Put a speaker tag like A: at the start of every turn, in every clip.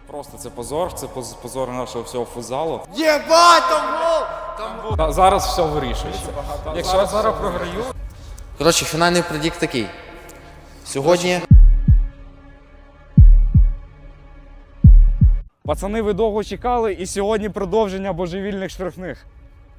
A: Просто це позор, це позор нашого всього футзалу.
B: Єбать, там гол!
A: Зараз все вирішується. Якщо я зараз програю...
B: Коротше, фінальний предікт такий. Сьогодні...
A: Пацани, ви довго чекали, і сьогодні продовження божевільних штрафних.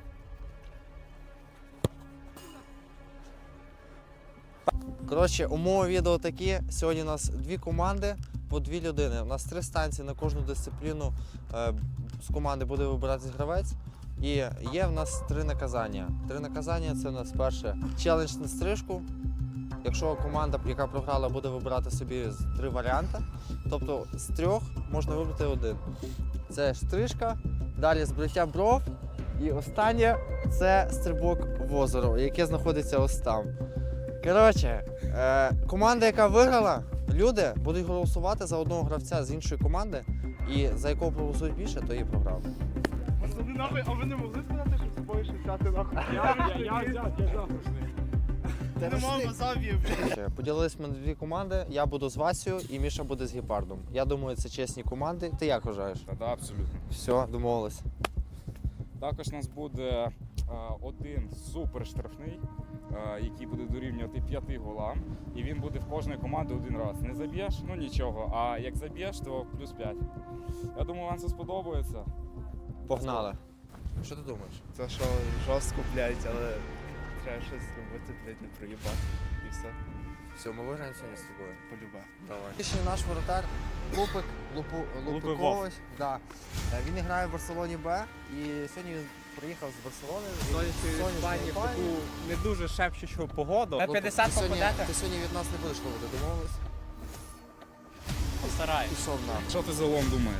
B: Коротше, умови відео такі. Сьогодні у нас 2 команди по 2 людини. У нас 3 станції на кожну дисципліну з команди буде вибиратись гравець. І є в нас 3 наказання. 3 наказання – це у нас перше челендж на стрижку. Якщо команда, яка програла, буде вибирати собі 3 варіанти, тобто з 3 можна вибрати 1. Це стрижка, далі збриття бров і останнє – це стрибок в озеро, яке знаходиться ось там. Коротше, команда, яка виграла, люди будуть голосувати за одного гравця з іншої команди, і за якого проголосують більше, то і програв.
C: А ви не могли сказати, що з собою щось взяти нахуй? Я взяв. Ти не мав базавів.
B: Поділились ми на 2 команди, я буду з Васею і Міша буде з Гепардом. Я думаю, це чесні команди. Ти як вважаєш?
A: Так, абсолютно.
B: Все, домовились.
A: Також у нас буде один супер штрафний, який буде дорівнювати 5 голам. І він буде в кожної команди 1 раз. Не заб'єш, ну нічого. А як заб'єш, то плюс 5. Я думаю, вам це сподобається.
B: Погнали. Що ти думаєш?
C: Це що, жорстко, блядь, але треба щось зробити, блядь, не проїбати. І все,
B: Все, ми виграємо сьогодні з тобою.
C: полюбе.
B: Давай. Ще наш воротар Лупик, Лупикович. Да. Він грає в Барселоні Б і сьогодні він приїхав з Барселони.
D: Сонячної Іспанії в таку не дуже шепчучу погоду. На 50
B: Ти
D: попадете?
B: сьогодні від нас не будеш ловити, домовились?
D: Постараюсь.
B: Пішов на.
A: Що ти за лом думаєш?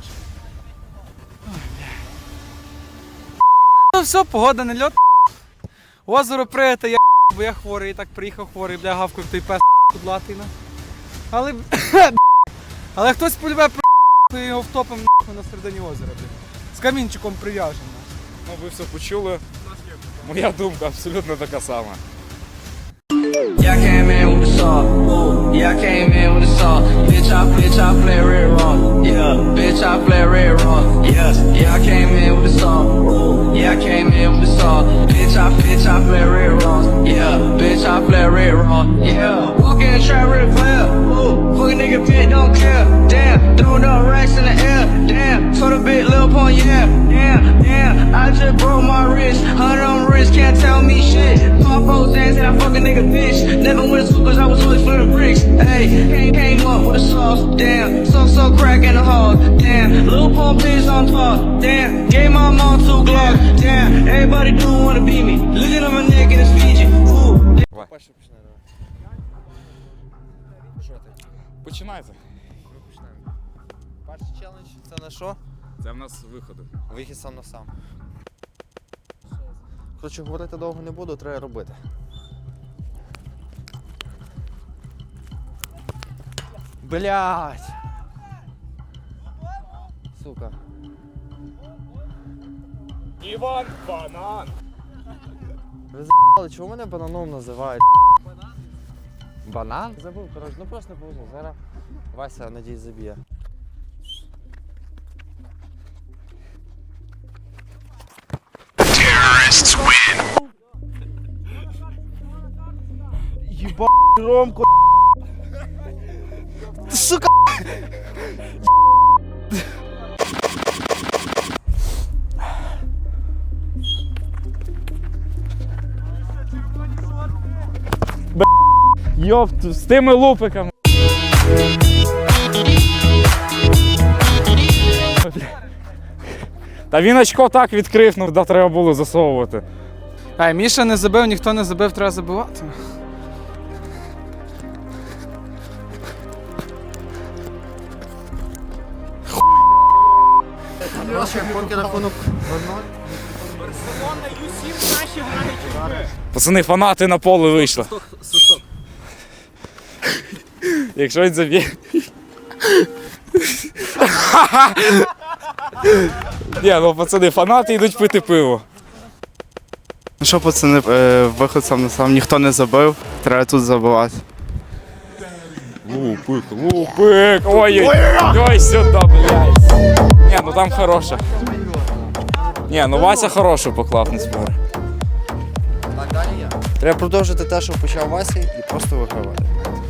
D: Ну все, погода не льот. Озеро прийти, я бо я хворий, і так приїхав хворий, бля, гавкав той пес кудлатий. Але але хтось полюбе про його втопим на середині озера, бля. З камінчиком прив'яжемо.
A: Ну, ви все почули. Моя думка абсолютно така сама.
E: Yeah, I came in with the saw. Ooh, yeah, I came in with the saw. Bitch, I play red raw. Yeah, bitch, I play red raw. Yeah, I came in with the saw. Ooh, yeah, I came in with the saw. Bitch, I play red raw. Yeah, bitch, I play red raw. Yeah, walk in the trap real clear. Ooh, fuck a nigga bitch, don't care. Damn, throwing up racks in the air. Damn, told a bit Lil Pump, yeah. Damn, I just broke my wrist. 100 on my wrist, can't tell me shit. Pop those ass and I fuck a nigga bitch. Never went to school cause I was always for the bricks. Hey, came up with the sauce. Damn, so crack in the hall. Damn, Lil Pump bitch on top. Damn, gave my mom 2 Glocks. Damn, everybody do wanna beat me. Looking at my neck and it's Fiji. Ooh.
B: Перше починай, давай. Що ти?
A: Починайте.
B: Ми починаємо. Перший челендж – це на що?
A: Це в нас виходи.
B: Вихід сам на сам. Коротше, говорити довго не буду, треба робити. Блять! Сука.
A: Іван Банан!
B: Ви за***ли, чого мене бананом називають? Банан? Банан? Забув, коротше, ну просто не повезло. Зараз Вася, надіюсь, заб'є. Єба Ромко. Сука.
A: Йоп, з тими лупиками. Та він очко так відкрив, ну да, треба було засовувати.
D: Ай, Міша не забив, ніхто не забив, треба забивати.
B: Коротше, поки рахунок 0-0.
A: Пацани, фанати на поле вийшли. Якщо він заб'є. Ні, ну пацани, фанати йдуть пити пиво.
C: Ну що, пацани, виход сам на сам, ніхто не забив, треба тут забивати.
A: Лупик, ой-ой-ой, сюди, блядь. там хороша. Ні, ну Вася хорошу поклав, не спорю.
B: Так, далі я. Треба продовжити те, що почав Вася, і просто вигравати.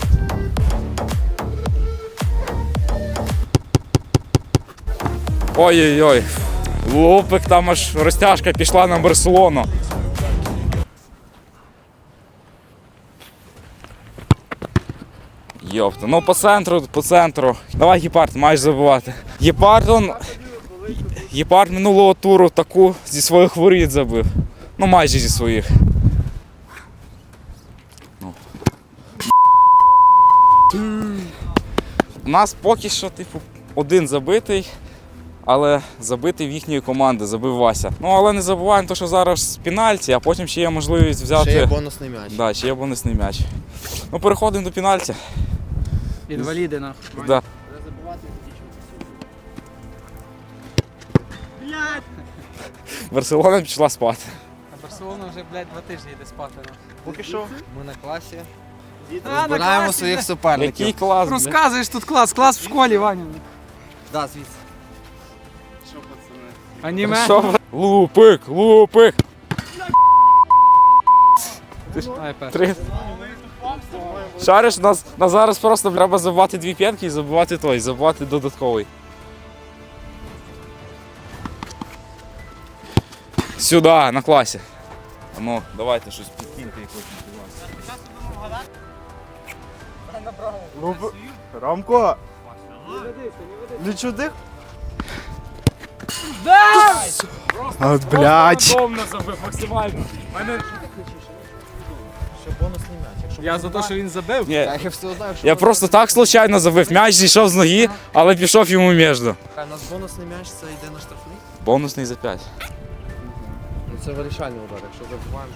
A: Ой-ой-ой. Лупик, там аж розтяжка пішла на Барселону. Йопта, ну по центру. Давай Гепард, маєш забивати. Гепард минулого туру таку зі своїх воріт забив. Ну майже зі своїх. Ну. У нас поки що, типу, один забитий, але забитий в їхньої команди, забив Вася. Ну але не забуваємо, що зараз пенальті, а потім ще є можливість взяти.
B: Ще є бонусний м'яч.
A: Да, ще є бонусний м'яч. Ну переходимо до пенальті.
D: Інваліди, нахуй.
A: Да. Барселона пішла спати.
D: А Барселона вже, блядь, 2 тижні йде спати. нахуй.
C: Поки що.
B: Ми на класі.
D: на
B: Збираємо
D: класі,
B: своїх
D: да.
B: суперників.
A: Який клас, блядь.
D: Розказуєш тут клас в школі, Ваня.
B: Да, звідси.
C: Що, пацани?
D: Аніме.
A: Що ви? Лупик!
D: Ай, перший.
A: Три. Шариш, нас зараз просто треба забивати 2 п'ятки і забивати додатковий. Сюди, на класі. Ну, давайте щось підкиньте якось.
C: Ромко! Не чудик? От, блядь.
A: Рандомно забив максимально.
B: Ще бонусний м'яч. Якщо
D: Я за те, що він забив.
A: Ні,
B: Я все знаю, що
A: я просто так случайно забив. М'яч зійшов з ноги, але пішов йому між.
B: у нас бонусний м'яч, це йде на штрафний.
A: Бонусний за 5.
B: Ну це вирішальний удар, якщо забуваємо.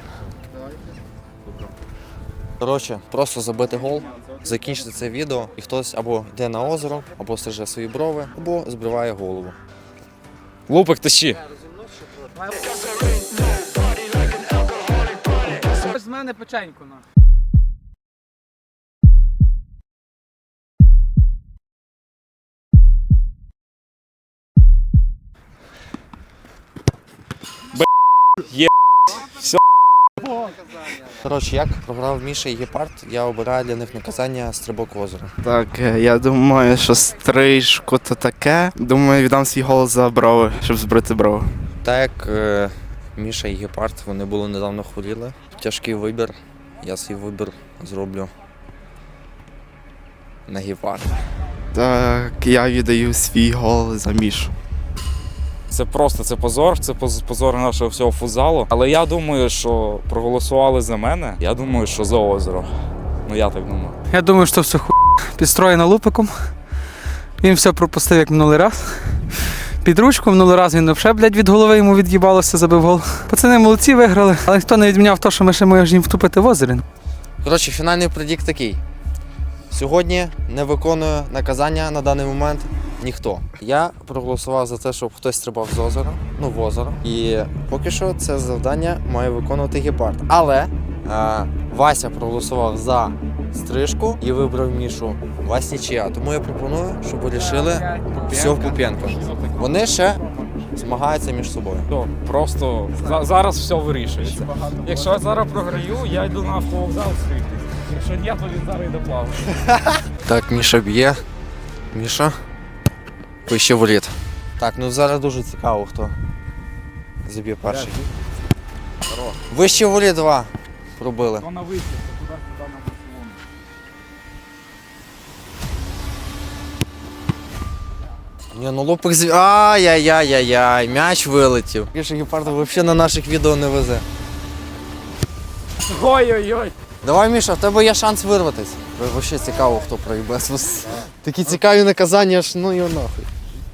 B: Коротше, просто забити гол, закінчити це відео, і хтось або йде на озеро, або стриже свої брови, або збриває голову.
A: Лупик тащи.
D: З мене печеньку, нахуй.
B: Коротше, як програв Міша і Гепард, я обираю для них наказання стрибок в озеро.
C: Так, я думаю, що стрижку то таке. Думаю, віддам свій голос за брови, щоб збрити брови.
B: Так як Міша і Гепард, вони були недавно хворіли. Тяжкий вибір. Я свій вибір зроблю на Гепард.
C: Так, я віддаю свій голос за Мішу.
A: Це позор, це позор нашого всього футзалу. Але я думаю, що проголосували за мене. Я думаю, що за озеро. Ну я так думаю.
D: Я думаю, що все підстроєно Лупиком. Він все пропустив, як минулий раз. Під ручку, минулий раз він взагалі, блядь, від голови йому від'їбалося, забив гол. Пацани молодці, виграли, але ніхто не відміняв те, що ми ще можемо їм втупити в озері.
B: Коротше, фінальний предікт такий. Сьогодні не виконує наказання на даний момент ніхто. Я проголосував за те, щоб хтось стрибав з озера, в озеро. І поки що це завдання має виконувати Гепард. Але Вася проголосував за стрижку і вибрав Мішу. Вась нічия. Тому я пропоную, щоб вирішили все в Пупенко. Вони ще змагаються між собою.
A: То просто зараз все вирішується. Якщо я зараз програю, я йду на автовокзал стригтись. Якщо ні, то він зараз йде плавати.
B: Так, Міша б'є. Міша. Вище воріт. Так, ну зараз дуже цікаво, хто заб'є перший. Вище воріт 2 пробили.
A: То на вихід, то туди на Барселону.
B: Ні, ну Лупик Ай-яй-яй-яй, м'яч вилетів. Міша Гепарда взагалі на наших відео не везе.
A: Ой-ой-ой.
B: Давай, Міша, в тебе є шанс вирватись. Взагалі цікаво, хто проїбе. Такі цікаві наказання, аж ну його нахуй.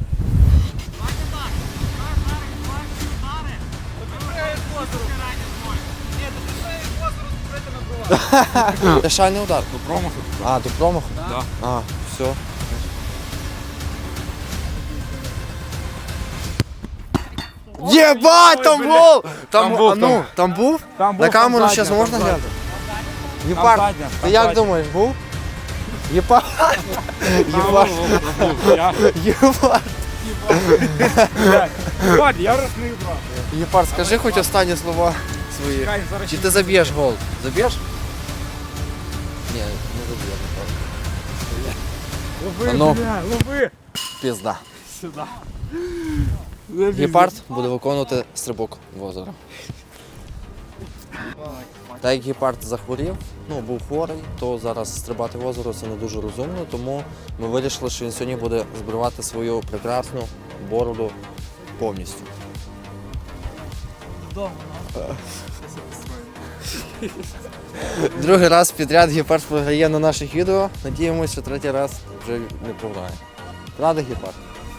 B: Решальний удар.
A: До промаху.
B: А, до промаху?
A: Да.
B: А, все. Єбать, там був!
A: Там був,
B: а ну, там був?
A: Там був,
B: На камеру
A: там
B: зараз
A: задня,
B: можна
A: там
B: глянути? Єпард,
A: задня,
B: ти
A: там
B: як
A: задня.
B: думаєш, був? Єпард.
A: Єпард.
B: Єпард. Єпард.
A: Ладно, я росний брат.
B: Гепард, скажи хоч останні слова свої.
A: Чекай, зараз
B: Чи
A: ще
B: ти заб'єш гол? Заб'єш? Ні, не заб'єш.
A: Лови,
B: А ну.
A: бля, лови!
B: Пізда.
A: Сюди.
B: Гепард буде виконувати стрибок в озеро. Так як гепард захворів, був хворий, то зараз стрибати в озеро це не дуже розумно, тому ми вирішили, що він сьогодні буде збривати свою прекрасну бороду повністю. Другий раз підряд гепард програє на наших відео. Надіємося, що третій раз вже не програє. Правда, гепард?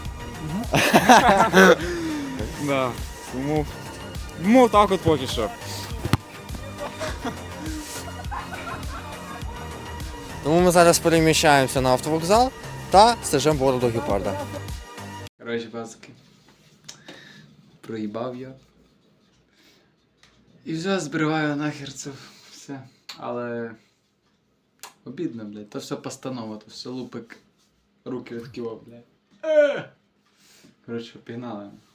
A: Да. Тому так от поки що.
B: Тому ми зараз переміщаємося на автовокзал та стежимо бороду гепарда.
D: Коротше, пацки. Проїбав я. І вже збриваю нахер це все. Але обідно, блядь. То все постанова, то все лупик руки відкивав, блядь. Коротше, пігнали.